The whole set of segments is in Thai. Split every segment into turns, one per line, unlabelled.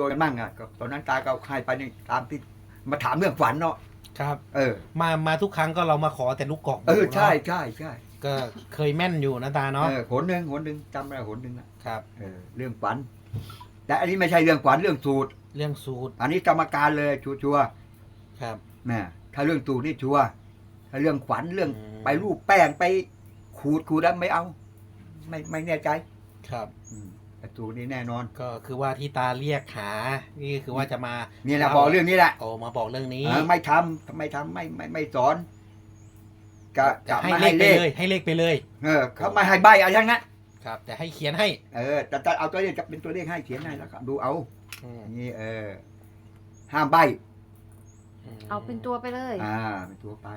โดยมั่งอ่ะก็ตอนนั้นตาก็ให้ไปนี่ตามที่มาถามเรื่องฝันเนาะ
ครับ
อ
มาทุกครั้งก็เรามาขอแต่ลูกกอก
ใช่
เนาะ
ใช่ใช่
ก็เคยแม่นอยู่นะตาเนาะ
หนหนึ่งจำได้หนหนึ่งนะครับ เรื่องฝัน แต่อันนี้ไม่ใช่เรื่องฝันเรื่องสูตร
เรื่องสูตร
อันนี้กรรมการเลยชัวร์
ครับ
ๆนะถ้าเรื่องสูตรนี่ชัวร์ถ้าเรื่องฝันเรื่องไปรูปแป้งไปขูดแล้วไม่เอา ไม่แน่ใจ
ครับ
แต่สูตรนี้แน่นอน
ก็คือว่าที่ตาเรียกหานี่คือว่าจะมา
นี่แหละบอกเรื่องนี้แหละ
โอ้มาบอกเรื่องนี้
ไม่ทำไม่สอนจะ
ให้
ไม่
เล
ให้
ข
เลข
ไปเลยให้เลขไปเลย
เขาไม่ให้ใบอะไรทั้งนั้น
ครับ แต่ให้เขียนให้
แต่เอาตัวเลขจะเป็นตัวเลขให้เขียนให้แล้วก็ดูเอา
อืม
นี่ห้ามใบ
เอาเป็นตัวไปเลย
เป็นตัวไป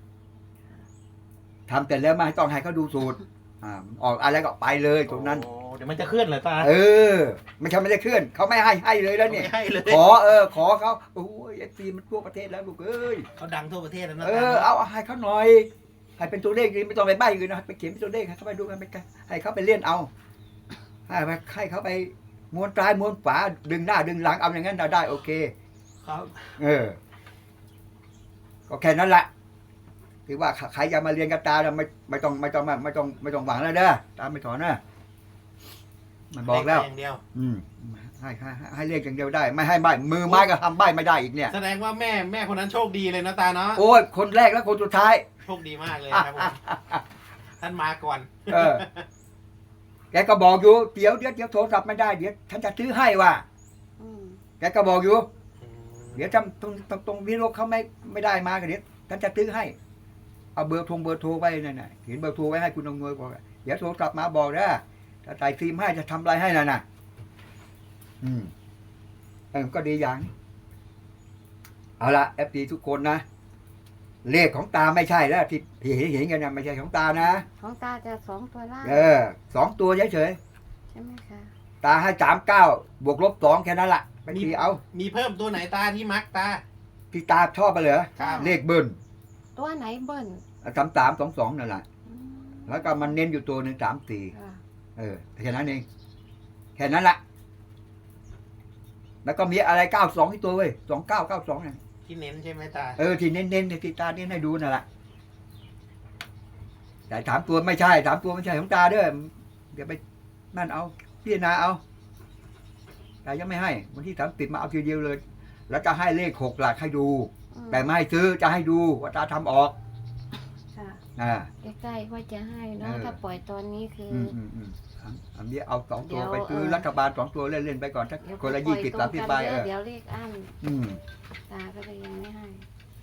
ทำแต่แล้วไม่ต้องให้เขาดูสูตรออกอะไรก็ไปเลยตรงนั้น
โอ้เดี๋ยวมันจะเคลื่อนเหรอตา
ไม่ใช่ไม่ได้เคลื่อนเขาไม่ให้เลยแล้วเนี่ย
ไม่ให้เลย
ขอเขาโอ้ยไอ้ซีมันทั่วประเทศแล้วลูกเอ้ย
เขาดังทั่วประเทศแล้วนะ
เอาให้เขาหน่อยให้เป็นตัวเลขนี่ไม่ต้องไปใบ้อื่นนะไปเขียนเป็นตัวเลขให้เขาไปดูกันไปกันให้เขาไปเล่นเอาให้เขาไปม้วนซ้ายม้วนขวาดึงหน้าดึงหลังเอาอย่างนั้นได้โอเค
ครับ
ก็แค่นั้นแหละคือว่าใครจะมาเรียนกับตาไม่ต้องหวังแล้วเด้อตาไม่ถอนนะมันบอกแล้ว
เลขอย่างเดียว
ให้เรียกอย่างเดียวได้ ไม่ให้ใบมือไม้ก็ทำใบไม่ได้อีกเนี่ย
แสดงว่าแม่คนนั้นโชคดีเลยนะตาเนาะ
โอ้ยคนแรกและคนสุดท้าย
โชคดีมากเลยครับผม ท่านมาก่อน
แกก็บอกอยู่เดี๋ยวโทรศัพท์ไม่ได้เดี๋ยวฉันจะซื้อให้ว่ะ
อืม
แกก็บอกอยู่ เดี๋ยวจำตรงวิโรจน์เขาไม่ได้มากันเดี๋ยวฉันจะซื้อให้เอาเบอร์โทรไว้นั่นน่ะเขียนเบอร์โทรไว้ให้คุณอำนวยบอกเดี๋ยวโทรศัพท์มาบอกนะถ้าใส่ฟิล์มให้จะทำอะไรให้น่ะก็ดีอย่างเอาละFDทุกคนนะเลขของตาไม่ใช่แล้วที่เห็นกันนะไม่ใช่ของตานะ
ของตาจะ2 ตัวล่าง
2 ตัวเฉย
ใช่ไหมคะ
ๆตาให้39 บวกลบ 2แค่นั้นละไปทีเอา
มีเพิ่มตัวไหนตาที่มักตา
ที่ตาชอบไปเหรอ
ครับ
เลขเบิ้ล
ตัวไหนเบิ้ล
3322นั่นแหละ
อืม
แล้วก็มันเน้นอยู่ตัวหนึ่ง34
ค่ะ
แค่นั้นเองแค่นั้นละแล้วก็มีอะไร92ที่ตัวเว้ย2992นั่น
ที่เน้นใช่ไหมตา
ที่เน้นที่ตาเน้นให้ดูนั่นแหละแต่3 ตัวไม่ใช่3 ตัวไม่ใช่ของตาเด้อเดี๋ยวไปนั่นเอาพิจารณาเอาแต่ยังไม่ให้วันที่30มาเอาทีเดียวเลย แล้วจะให้เลข6หลักให้ดู
อืม
แต่ไม่ให้ซื้อจะให้ดูว่าตาทำออก
ค่ะใกล้ๆว่าจะให้เนาะถ้าปล่อยตอนนี้คือ
อันนี้เอา2 ตัว
เดี๋ยว
ไปซื้อรัฐบาล2 ตัวเล่นๆไปก่อนสัก
เดี๋ยว
คนละ
ปล่อย
20
ตรงกัน
30ใบ
เดี๋ยวเลขอั้นตาก็เลยยังไม่ให้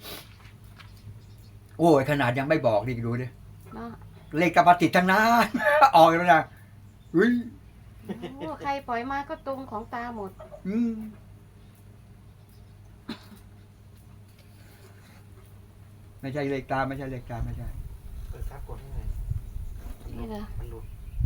โอ้ยขนาดยังไม่บอกดิดูดิ
เนาะ
เลขกระปฏิดทั้งนั้น ออกแล้วนะอุ้ย
โอ้ใครปล่อยมาก็ตรงของตาหมด
อืมไม่ใช่เลขตาไม่ใช่
เปิดครับกดให้หน่อย
นี่เหรอ
มันหลุด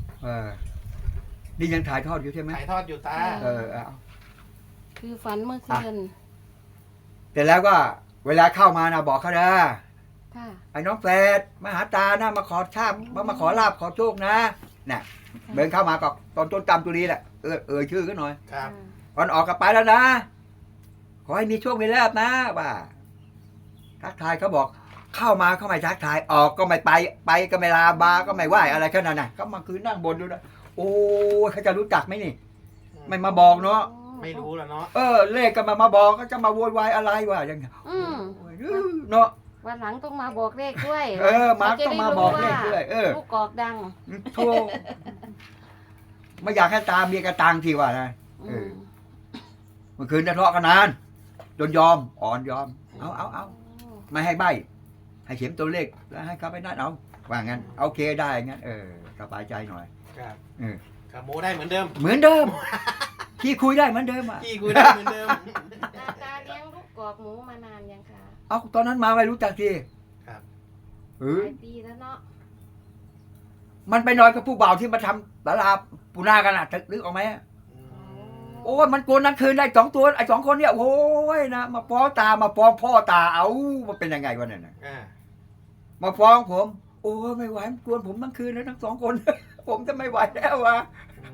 นี่ยังถ่ายทอดอยู่ใช่ไหม
ถ่ายทอดอยู่ตา
เอา
คือฝันเมื่อคืน
แต่แล้วก็เวลาเข้ามานะบอกเขานะ
ค่ะ
ไอ้น้องแฝดมาหาตานะมาขอชาบมาขอลาบขอโชคนะน่ะเดินเข้ามาก็ตอนต้นตำตัวนี้แหละชื่อก็หน่อย
ครับ
ก่อนออกกลับไปแล้วนะ ขอให้มีโชคมีลาบนะว่าทักทายเขาบอก เข้ามาเขาไม่ทักทายออกก็ไม่ไปก็ไม่ลาบาก็ไม่ไหวอะไรแค่นั้นนะเขามาคืนนั่งบนดูนะโอ้เขาจะรู้จักไหมนี่ ไม่มาบอกเนาะ
ไม่รู้แล้วเนาะ
เลขก็มาบอกก็จะมาโวยวายอะไรวะอย่างเงี้ย
อืม
เนาะ
วันหลังต้องมาบอกเลขด้วย
มาต้องมาบอกเลขด้วย
ลูกกอกดัง
โธ่ไม่อยากให้ตามเมียกระตังทีว่านะ
อืม
เมื่อคืนทะเลาะกันนานจนยอมอ่อนยอมเอาไม่ให้ใบให้เขียนตัวเลขแล้วให้เขาไปนั่นเอาว่างั้นโอเคได้งั้นสบายใจหน่อย
ครับครับโมได้เหมือนเดิม
เหมือนเดิม ที่คุยได้เหมือนเดิมอ่ะ
พี่คุยได้เหมือนเดิม
ตาเลี้ยงลูกกอกหมูมานานยังคะ
เอาตอนนั้นมาไม่รู้จักที
ครับ
หลายปีแล้วเนาะ
มันไปนอนกับผู้บ่าวที่มาทำตลาดปูนากันอ่ะนึกออกไหม โอ้ยมันโกนทั้งคืนได้2 ตัวไอ้2 คนเนี่ยโอ้ยนะมาฟ้องตามาฟ้องพ่อตาเอามันเป็นยังไงวะเนี่ยมาฟ้องผม โอ้ยไม่ไหวมันกวนผมทั้งคืนแล้วทั้ง2 คน ผมจะไม่ไหวแล้ววะ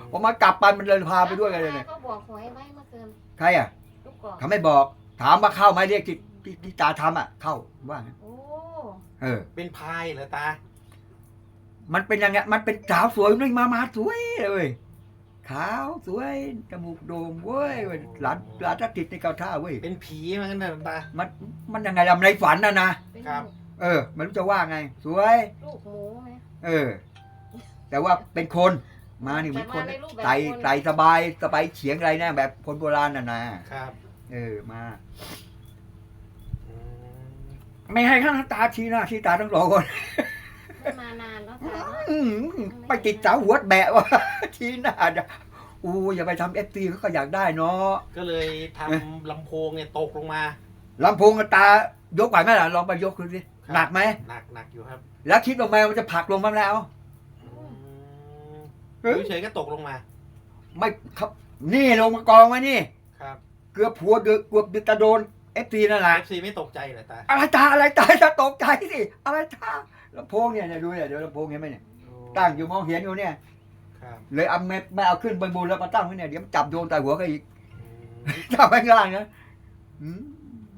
พอมากลับไปมันเลยพาไปด้วยกันเลยเนี่ย
ก็บอกหวยไว้เมื่อคืน
ใครอ่ะ
ลูกกอก
เขาไม่บอก ถามว่าเข้าไหมเรียกที่ตาทำอ่ะ เข้าว่างั้น
โอ้
เออ
เป็นพายเหรอตา
มันเป็นยังไงมันเป็นสาวสวยนี่มาสวยเลยขาวสวยจมูกโด่งเว้ยหลานทัดติดในเกาท่าเว้ย
เป็นผีเหมือนกันนะตา
มันยังไงล่ะในฝันนะ
เป็น
ครับ
เออไม่รู้จะว่าไง สวย
ลูกหมูไหม
เออ แต่ว่าเป็นคนมานี่เหมือนคน
แต่มาในรูปแบบ
ไต่
คน
ไต่สบายเฉียงอะไรนะแบบคนโบราณน่ะนะครับ เออมา
อืม
ไม่ให้ข้างตาชี้หน้าชี้ตาทั้งสองคน
ไม่มานานแล้วตาเนาะ
อื้อหือไปติดสาวหัวแบะวะ ชี้หน้าจะอู้อย่าไปทำFTเขาก็อยากได้เนาะ
ก็เลยทำลำโพงเนี่ยตกลงมา
ลำโพงกับตายกไหวไหมล่ะลองไปยกดูสิ
ครับ
หนักไหม
หนักอยู่ครับ
แล้วคิดลงมามันจะผลักลงมาแล้ว
อืม
เฮ้ย
เฉยๆก็ตกลงมา
ไม่ครับนี่ลงมากองไว้นี่
ครับ
เกือบหัวเกือบจะโดนFTนั่นแหละ
FC ไม่ตกใจเหรอตา
อะไรตาจะตกใจสิอะไรตาลำโพงเนี่ยดูเนี่ยเดี๋ยวลำโพงเห็นไหมเนี่ย
โอ้
ตั้งอยู่มองเห็นอยู่เนี่ย
ครับ
เลยเอาไม่เอาขึ้นบนแล้วมาตั้งไว้เนี่ยเดี๋ยวมันจับโยนใส่หัวเขาอีก
อืม
จับไปข้างล่างนะอืม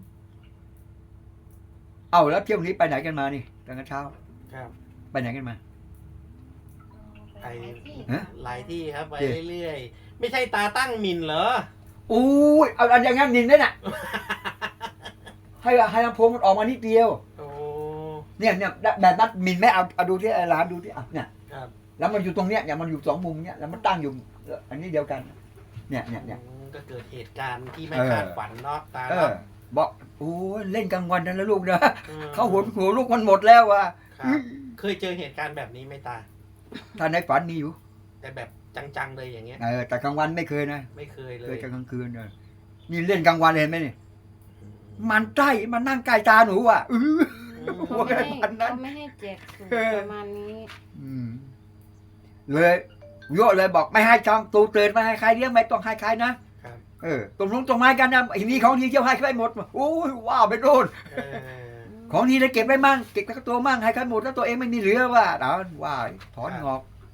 เอาแล้วเที่ยวนี้ไปไหนกันมานี่ตอนเช้า
ครับ
ไปไหนกันมา
ไป
ฮะ
หลายที่ครับไป
เจ๊
เรื่อยๆ ไม่ใช่ตาตั้งมินเหรอ
อู้ยเอาอันอย่างนั้นนินได้น่ะ ให้ลำโพงมันออกมานิดเดียว
โอ้
เนี่ยแบบนั้นมินไม่เอาดูที่ไอ้ร้านดูที่อ่ะเนี่ย
ครับ
แล้วมันอยู่ตรงเนี้ยมันอยู่สองมุมเนี้ยแล้วมันตั้งอยู่อันนี้เดียวกัน เนี่ย
อืมก็เกิดเหตุการณ์ที่ไม่
เออ
คาดฝันเนาะตา
เอ
เนาะ
อบอกโอ้ยเล่นกลางวันนั่นแล้วลูกนะ
ม
เขาหัวลูกมันหมดแล้วว่ะ
ครับเคยเจอเหตุการณ์แบบนี้ไหมตา
ถ้าในฝันมีอยู่
แต่แบบจังๆเลยอย่างเงี้ย
แต่กลางวันไม่เคยนะ
ไม่เคยเล
เคย
ย
แต่กลางคืนนี่เล่นกลางวันเห็นไหมนี่มันใกล้มันนั่งใกล้ตาหนูอ่ะหัว
เขา
กระ
ไม่ให้
พันนั้น
เขาไม่ให้แจกสูตรประมาณนี้
เลยโยเลยบอกไม่ให้ช่องตูเตือนไม่ให้ใครเลี้ยงไม่ต้องให้ใครนะครับ ตรงนู้นตรงไม้กันนะไอ้นี่ของดีเจ้าให้ใครหมดโอ้ยว้าวไปโดน
เออ
ของดีเลยเก็บไว้มั่งเก็บกับตัวมั่งให้ใครหมดแล้วตัวเองไม่มีเหลือว่าเอาว่าถอนงอก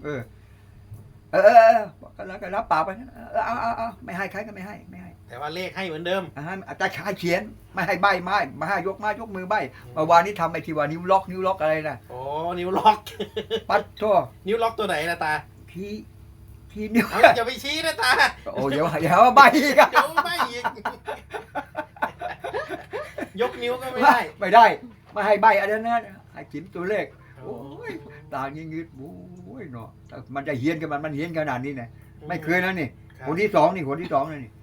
แล้วก็รับปากไปงั้นเอาไม่ให้ใครก็ไม่ให้
แต่ว่าเลขให้เหมือนเดิม
อาจารย์ชายเขียนไม่ให้ใบไม้มาให้ยกมือใบเมื่อวานนี้ทำไอ้ที่ว่านิ้วล็อกอะไรนะ
โอ้นิ้วล็อก
ปัดทั่ว
นิ้วล็อกตัวไหนนะตา
ที่นิ้ว
เอาอย่าไปชี้นะตา
โอ้เดี๋ยวว่าใบอีกอะ
เดี๋ยวไม่อีกยกนิ้วก็ไม่ได้
ไม่ได้ไม่ให้ใบอะไรนั้นให้จิ้มตัวเลข
โอ้
โอ้ยตางี้งืดโอ้ยเนาะมันจะเฮี้ยนกันมันเฮี้ยนขนาดนี้นะไม่เคยนะนี่
ครับ
คนที่สองนะนี่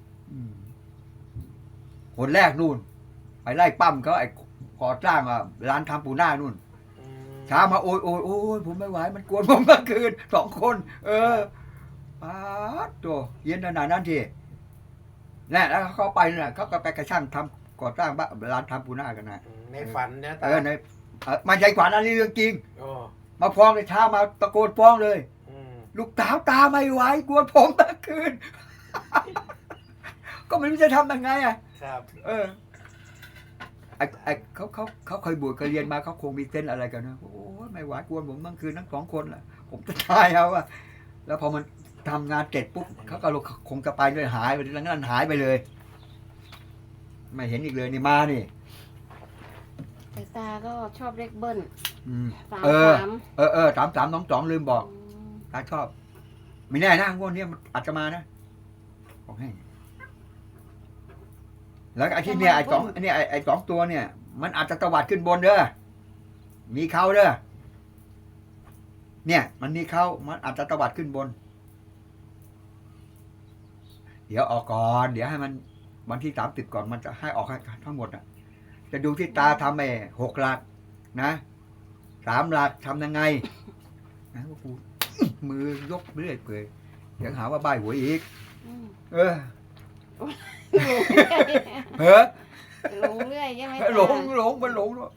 คนแรกนู่นไปไล่ปั้มเขาไอ้ก่อสร้างร้านทำปูนานู่น
อืม
เช้ามาโอ้ยผมไม่ไหวมันกวนผมเมื่อคืนสองคนป๊าดตัวเย็นขนาดนั้นทีนี่แล้วเขาไปน่ะเขาก็ไปกระช่างทำก่อสร้างบ้านร้านทำปูนากันนะ
ในฝันนะตา
ในมันใจขวัญอันนี้เรื่องจริง
โอ้
มาฟ้องในเช้ามาตะโกนฟ้องเลย
อืม
ลูกสาวตาไม่ไหวกวนผมเมื่อคืน ก็ไม่รู้จะทำยังไงอ่ะ
ครับ
เขาเคยบวชเคยเรียนมาเขาคงมีเส้นอะไรกันนะโอ้ยไม่ไหวกวนผมเมื่อคืนทั้งสองคนแหละผมจะตายเอาอะแล้วพอมันทำงานเสร็จปุ๊บเขาก็คงจะไปเลยหายไปหลังนั้นหายไปเลย ไม่เห็นอีกเลยนี่มานี่
แต่ตาก็ชอบเลขเบิ้ล
3
33
3322ลืมบอกตาชอบไม่แน่นะงวดนี้มันอาจจะมานะบอกให้แล้วไอ้ที่เนี่ยไอ้สองตัวเนี่ย มันอาจจะตวัดขึ้นบนเด้อมีเขาเด้อเนี่ยมันมีเขามันอาจจะตวัดขึ้นบน เดี๋ยวออกก่อนเดี๋ยวให้มันวันที่30ก่อนมันจะให้ออกทั้งหมดอ่ะจะดูที่ตาทำไอ้6 หลักนะ3 หลักทำยังไงนะว่ากูมือยกเรื่อยเปื่อยเดี๋ยวหาว่าใบหวยอีก
อืม
เออ
หลงเรื่อยใช่ไหมตา
หลงมันหลงแล้ว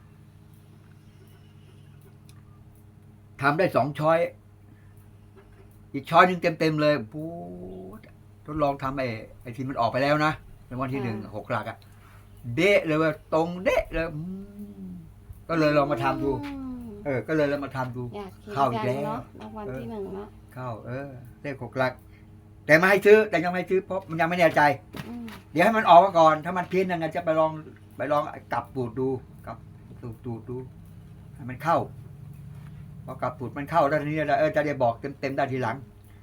ทำได้2 ช้อย อีกช้อยหนึ่งเต็มเลยปูดทดลองทำไอ้ที่มันออกไปแล้วนะในวันที่1 6 หลักอะเดะเลยว่าตรงเดะเลยก็เลยลองมาทำดูก็เลยเรามาทำดู
อยากกิน
เข้าอีก
จัง
แล้ว
เนาะรางวัลที่หนึ่งเนาะ
เข้าเลข6 หลัก แต่ไม่ให้ซื้อแต่ยังไม่ให้ซื้อเพราะมันยังไม่แน่ใจ
อืม
เดี๋ยวให้มันออกมาก่อน ถ้ามันเพี้ยนยังไงจะไปลองกลับปูดดูกลับตูดดูให้มันเข้าพอกลับปูดมันเข้าแล้วทีนี้จะได้บอกเต็มได้ทีหลัง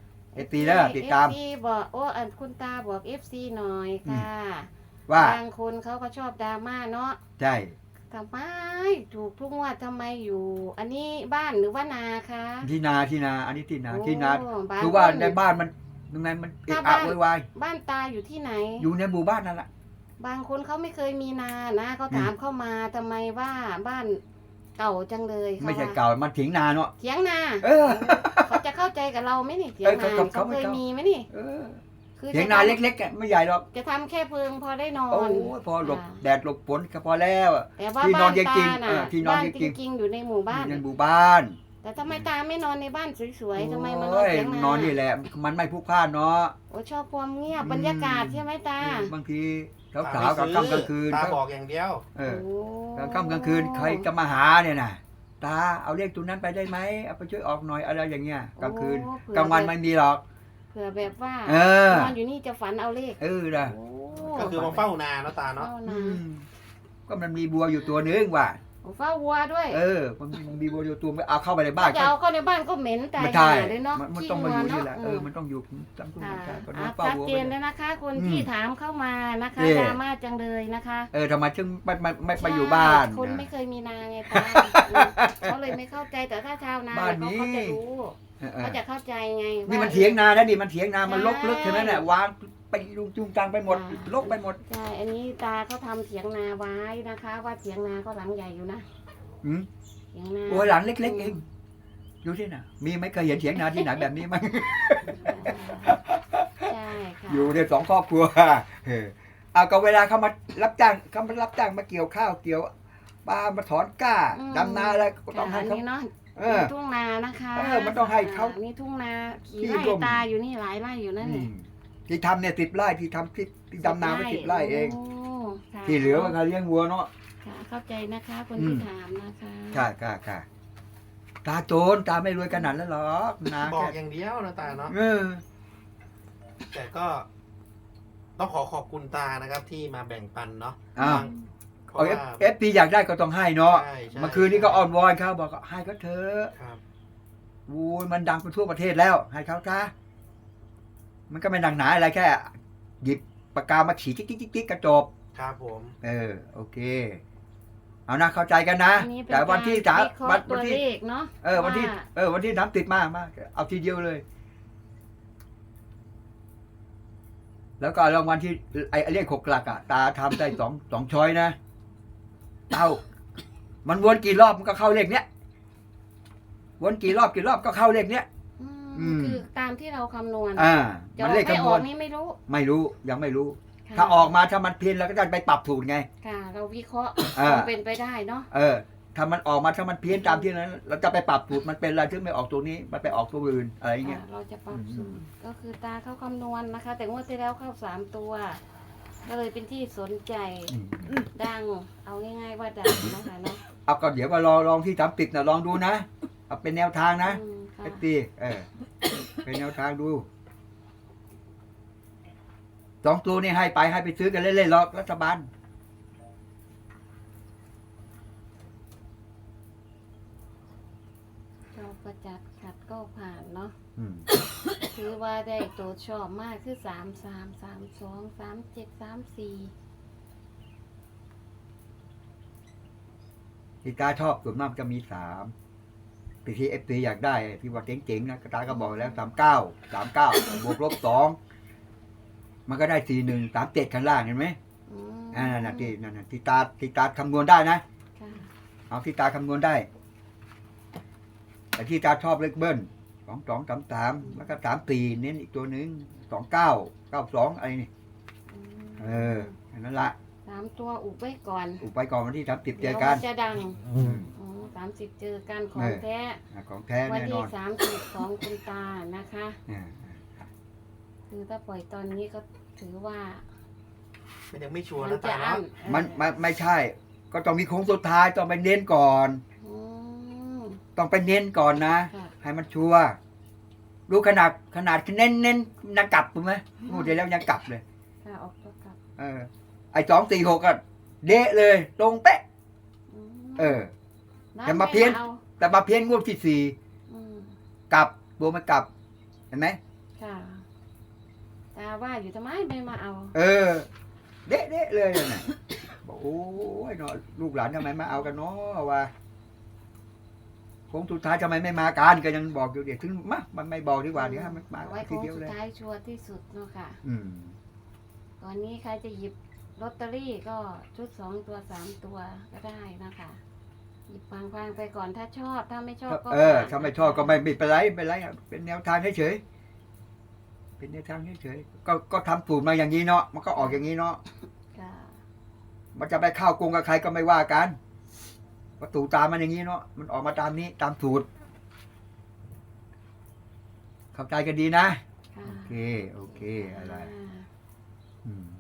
FP แล้วติดตาม
FC บอกคุณตาบอก FC หน่อยค่ะ
ว่า
บางคนเขาก็ชอบดราม่าเนาะ
ใช่
ทำไมถูกทุกงวดทำไมอยู่ อันนี้บ้านหรือว่านาคะ
ที่นาอันนี้ที่นา
โอ้
ที่นา
บ้าน
คือว่า
คน
ในบ้านมันตรงไหนมันเอะ
ถ้า
อะ
บ้าน
โวยวาย
บ้านตาอยู่ที่ไหน
อยู่ในหมู่บ้านนั่นแหละ
บางคนเขาไม่เคยมีนานะเขา
อืม
ถามเข้ามาทำไมว่าบ้านเก่าจังเลยข
ไม่ใช่
ว่
เก่ามันเถียงนาเนาะ
เถียงนา
เออ
เขาจะเข้าใจกับเราไหมนี่เถียงนา
เขา
เขา
ไม่
เคย
เข้ามี
มีไหมนี่
เออ
คือ
เถียง
จะ
นา
ทำ
เล็กๆอะไม่ใหญ่หรอก
จะทำแค่เพิงพอได้นอ
โอ้
น
ยพอหลบ
อ่า
แดดหลบฝนก็พอแล้วอะ
แต่ว่า
ที่นอ
บ้าน น
จริ
ตาง
ๆ
น่ะ
ที่นอน
บ้าน
จ
จ
ริง
ริงๆอยู่ในหมู่บ้าน
ในหมู่บ้าน
แต่ทำไมตาไม่นอนในบ้านสวยๆทำไมมานอน
โอ้ย
เถียงนาน
อนนี่แหละ มันไม่พลุกพล่านเนาะ
โอ้ชอบความเงียบ
อืม
บรรยากาศใช่ไหมตา
บางทีสา
ตาว
ๆกับ
ไม่
ค่ำกลางคืน
ตาบอกอย่างเดียว
เออ
โอ้
กลางค่ำกลางคืนใครจะมาหาเนี่ยนะตาเอาเลขตัวนั้นไปได้ไหมเอาไปช่วยออกหน่อยอะไรอย่างเงี้ยกลางคืน
โอ้เผื่อก
ลางวันไม่มีหรอก
เผื่อแบบว่า
เออน
อนอยู่นี่จะฝันเอาเลข
นะ
โอ้
ก็คือมาเฝ้านาเนาะตาเนาะ
เฝ้า
อื
นาม
ก็มันมีบัวอยู่ตัวนึงว่ะ
โอ้เฝ้าวัวด้วย
มันมีบัวอยู่ตัวไม่เอาเข้าไปในบ้าน
จะเอาเข้าในบ้านก็เหม็นแต่
ไม่
ห
ใช่
าเลยเนาะ
มัน
ขี้
ต้องมาอยู่
วัว
นี่แหละ
เนาะ
มันต้องอยู่จำต้อง
ค่ะ
ใช่ก็
อ่ะ
เฝ้า
ชัด
วัว
เจ
ไป
นแล้วนะคะ คน
อืม
ที่ถามเข้ามานะคะ
นี่
ดราม่าจังเลยนะคะ
ทำไมจึงไม่ไปอยู่บ้าน
ใช่คนไม่เคยมีนาไงตาเขาเลยไม่เข้าใจแต่ถ้าชาวนา
บ้าน
เขา
นี้
เขาจะรู้
เออ
เขาจะเข้าใจไง
นี่มัน
ว่า
เถียงนานะนี่มันเถียงนามันลกลึก
ใช่
ใช่ไหมเนี่ยวางไปจุงจังไปหมดลกไปหมด
ใช่ อันนี้ตาเขาทำเถียงนาไว้นะคะ ว่าเถียงนาก็หลังใหญ่อยู่นะ
อืม
เถียงนา
โอ้ยหลังเล็กๆเองดูที่น่ะ มีไหม่เคยเห็นเถียงนาที่ไหนแบบนี้มั้ง
ใช่ค่ะ
อยู่ใน2 ครอบครัวเอาก็เวลาเขามารับจ้างมาเกี่ยวข้าวเกี่ยวปลามาถอนก้าดำนาอะไรก็ต้องให้
อัน
เขา
นี้เนาะ
เออ
ทุ่งนานะคะ
มันต้องให้เขา
นี่ทุ่งนาขี่
ที่
ไร่
ร่ม
ตาอยู่นี่หลายไร่อยู่นั่น
อื
นี่
มที่ทำเนี่ย10 ไร่ที่ทำที่ดำนาไป10 ไร่เอง
โค่ะ
ที่เหลือมันก็เลี้ยงวัวเนาะ
ค่ะเข้าใจนะคะ คน
อื
ที่
ม
ถามนะคะ
ค่ะตาโจรตาไม่รวยขนาดนั้นหรอกนา
บอก
แค่
อย่างเดียวนะตาเนาะ
เออ
แต่ก็ต้องขอบคุณตานะครับที่มาแบ่งปันเนาะ
อ้าว
เพ
เอา
ราะว่า
FP อยากได้ก็ต้องให้เนาะ
ใช่ใช่
เมื่อคืนนี้ก็อ้อนวอนเขาบอกว่าให้เขาเถอะ
ครับ
โอ้ยมันดังไปทั่วประเทศแล้ว ให้เขาซะมันก็ไม่ดังหนาอะไรแค่ หยิบปากกามาขีดจิ๊กกระจบ
ครับผม
โอเค เอานะเข้าใจกันนะ
อันนี้เป็น
แต่วันที่
การ
3
วิเคราะห์ตัวเลขเนาะ
วันที่
ว่า
วันที่30มาเอาทีเดียวเลย แล้วก็รางวัลที่ไอ้เลข6 หลักอ่ะตาทำได้สองช้อยนะมันวนกี่รอบมันก็เข้าเลขเนี้ยวนกี่รอบก็เข้าเลขเนี้ย อืม
คือตามที่เราคำนวณ จะอ
มัน
อก
เลข
ไม่
คำ
อน
ว
อ
ณ
กนี่ไม่รู้
ไม่รู้ยังไม่รู้
ค่ะ
ถ้าออกมาถ้ามันเพี้ยนเราก็จะไปปรับถูกไง
ค่ะ เราวิเคราะห์
อ่า
ความเป็นไปได้เนาะ
ถ้ามันออกมาถ้ามันเพี้ยนตามที่นั้น เราจะไปปรับสูตรมันเป็นอะไรถึงไม่ออกตัวนี้ มันไปออกตัวอื่นอะไรอย่างเงี้ย
เราจะปรับ
อืม
สูตรก็คือตาเข้าคำนวณนะคะ แต่งวดที่แล้วเข้า3 ตัว ก็เลยเป็นที่สนใจ ดัง เอาง่ายๆว่าดังนะคะเนาะ
เอาก็เดี๋ยวก็ลองที่30นะลองดูนะเอาเป็นแนวทางนะ
อืมค่ะ
ไอ้ตีเป็นแนวทางดู2 ตัวนี่ให้ไปซื้อกันเล่นๆหรอกรัฐบาล
ชอบประจัดขัดก็ผ่านเนาะ
อืม
ถือว่าได้ตัวชอบมากคือ33 32 37 34
ที่ตาชอบส่วนมากจะมี3ที่FP อยากได้ที่ว่าเจ๋งๆนะตาก็บอกแล้ว39บวกลบ2มันก็ได้41 37ข้างล่างเห็นไหม
อืม
นั่นน่ะที่ตาคำนวณได้นะ
ค่ะ
เอาที่ตาคำนวณได้ แต่ที่ตาชอบเลขเบิ้ล22 33แล้วก็34เน้นอีกตัวหนึ่ง29 92อะไรนี่
อืม
อันนั้นละ
3 ตัวอุบไว้ก่อน
อุบไปก่อนวันที่30เจ
เดี๋ย
อ
ว
กั
มัน นจะดัง
อืม
30เจอกันของ
เออ
แท้
ของแท้
วัน
แน่น
ที่
อน
30ของคุณตานะคะ
อ่า
คือถ้าปล่อยตอนนี้ก็ถือว่า
มันยังไม่ชัวร์
มัน
นะ
จะ
ตา
อั้
เนาะ
น
มันไม่ใช่ ก็ต้องมีโค้งสุดท้ายต้องไปเน้นก่อน
อืม
ต้องไปเน้นก่อนนะ
ค่ะ
ให้มันชัวร์รู้ขนาดเน้นยังกลับถูกไหมงูเดียวแล้วยังกลับเลย
ค่ะออกตัวกลับ
ไอ้246ก็เดะเลยตรงเป๊ะ
ม
อย่ามาเพี้ยน
อา
แต่มาเพี้ยนงวดที่
อืม
4กลับตัวมันกลับเห็นไหม
ค่ะตาว่าอยู่ทำไมไม่มาเอา
เดะเลยน่ะบอกโอ้ยเนาะลูกหลานทำไมมาเอากันเนาะว่าโค้งสุดท้ายทำไมไม่มากันก็ยังบอกอยู่เดี๋ยวถึงมันไม่บอกดีกว่าเดี๋ยวให้มันมา
เอาไว้
ที
โค้ง
เดียว
สุ
เล
ด
ย
ท้ายชัวร์ที่สุดเนาะค่ะ
อืม
ตอนนี้ใครจะหยิบลอตเตอรี่ก็ชุด2 ตัว 3 ตัวก็ได้นะคะหยิบฟังๆไปก่อนถ้าชอบถ้าไม่ชอบก็
ถ้าไม่ชอบก็ไม่เป็นไรเป็นแนวทางเฉยๆเป็นแนวทางเฉยๆก็ทำสูตรมาอย่างนี้เนาะมันก็ออกอย่างนี้เนาะ
ค่ะ
มันจะไปเข้ากงกับใครก็ไม่ว่ากันประตูตามมันอย่างนี้เนาะมันออกมาตามนี้ตามสูตรเข้าใจกันดีนะ
ค่ะ
โอเคอะไร
อ่า
อืม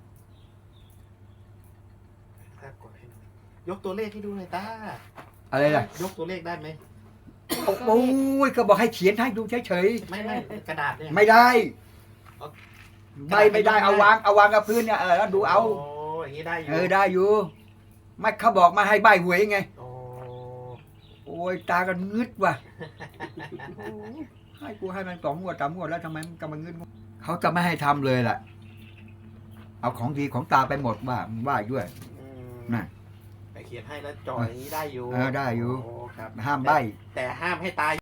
ครับกดให้หน่อยยกตัวเลขให้ดูหน่อยตา
อะไรล่ะ
ยกตัวเลขได้ไหม
โอ้ยก็บอกให้เขียนให้ดูเฉย
ไม่กระดาษเนี่ย
ๆไม่ได้
เอา
ไม่ได้เอาวางกับพื้นเนี่ยแล้วดูเอา
โอ้อย่างนี้ได้อยู่
ได้อยู่ไม่เขาบอกมาให้ใบหวยไง
โอ้
โอ้ยตากันงึดว่ะให้กูให้มัน2 งวด 3 งวดแล้วทำไมมันกำลังงึดเขาจะไม่ให้ทำเลยล่ะ เอาของดีของตาไปหมดว่ามึงว่าด้วย
อืม
น่ะ
แต่เขียนให้แล้วจ่ออย่างนี้ได้อยู่
ได้อยู่
โอ้ครับ
ห้ามใบ
แต่ห้ามให้ตา